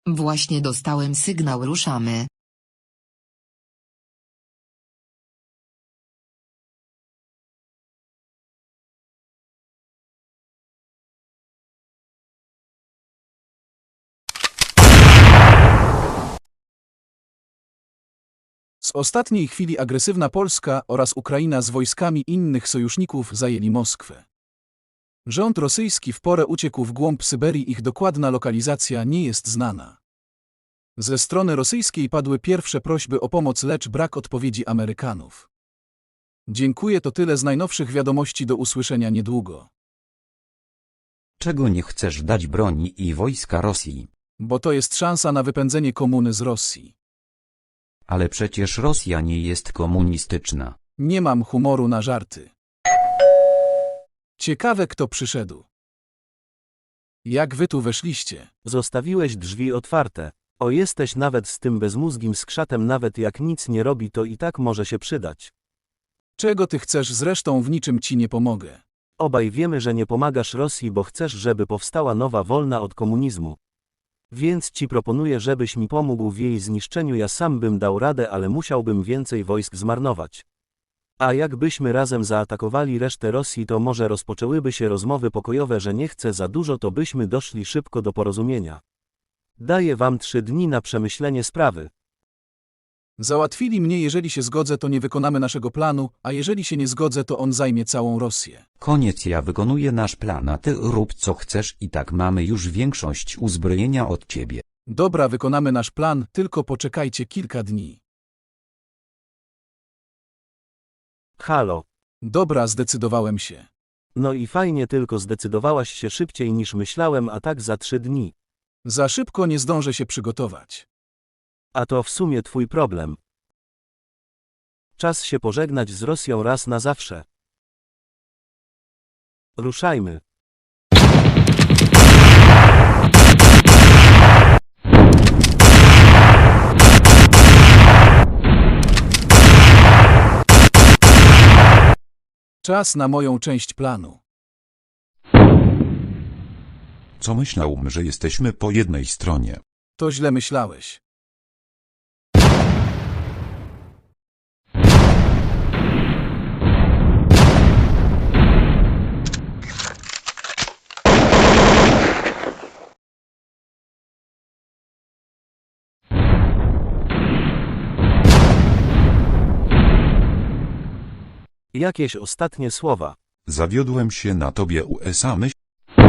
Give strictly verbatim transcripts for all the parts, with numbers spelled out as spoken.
Właśnie dostałem sygnał, ruszamy. Z ostatniej chwili agresywna Polska oraz Ukraina z wojskami innych sojuszników zajęli Moskwę. Rząd rosyjski w porę uciekł w głąb Syberii, ich dokładna lokalizacja nie jest znana. Ze strony rosyjskiej padły pierwsze prośby o pomoc, lecz brak odpowiedzi Amerykanów. Dziękuję, to tyle z najnowszych wiadomości, do usłyszenia niedługo. Czego nie chcesz dać broni i wojska Rosji? Bo to jest szansa na wypędzenie komuny z Rosji. Ale przecież Rosja nie jest komunistyczna. Nie mam humoru na żarty. Ciekawe, kto przyszedł. Jak wy tu weszliście? Zostawiłeś drzwi otwarte. O, jesteś nawet z tym bezmózgim skrzatem, nawet jak nic nie robi, to i tak może się przydać. Czego ty chcesz? Zresztą w niczym ci nie pomogę. Obaj wiemy, że nie pomagasz Rosji, bo chcesz, żeby powstała nowa, wolna od komunizmu. Więc ci proponuję, żebyś mi pomógł w jej zniszczeniu. Ja sam bym dał radę, ale musiałbym więcej wojsk zmarnować. A jakbyśmy razem zaatakowali resztę Rosji, to może rozpoczęłyby się rozmowy pokojowe, że nie chcę za dużo, to byśmy doszli szybko do porozumienia. Daję wam trzy dni na przemyślenie sprawy. Załatwili mnie, jeżeli się zgodzę, to nie wykonamy naszego planu, a jeżeli się nie zgodzę, to on zajmie całą Rosję. Koniec, ja wykonuję nasz plan, a ty rób co chcesz, i tak mamy już większość uzbrojenia od ciebie. Dobra, wykonamy nasz plan, tylko poczekajcie kilka dni. Halo. Dobra, zdecydowałem się. No i fajnie, tylko zdecydowałaś się szybciej niż myślałem, a tak za trzy dni. Za szybko nie zdążę się przygotować. A to w sumie twój problem. Czas się pożegnać z Rosją raz na zawsze. Ruszajmy. Czas na moją część planu. Co myślałem, że jesteśmy po jednej stronie. To źle myślałeś. Jakieś ostatnie słowa. Zawiodłem się na tobie, U S A. Myśl.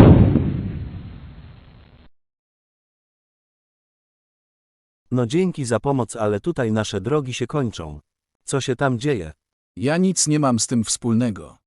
No dzięki za pomoc, ale tutaj nasze drogi się kończą. Co się tam dzieje? Ja nic nie mam z tym wspólnego.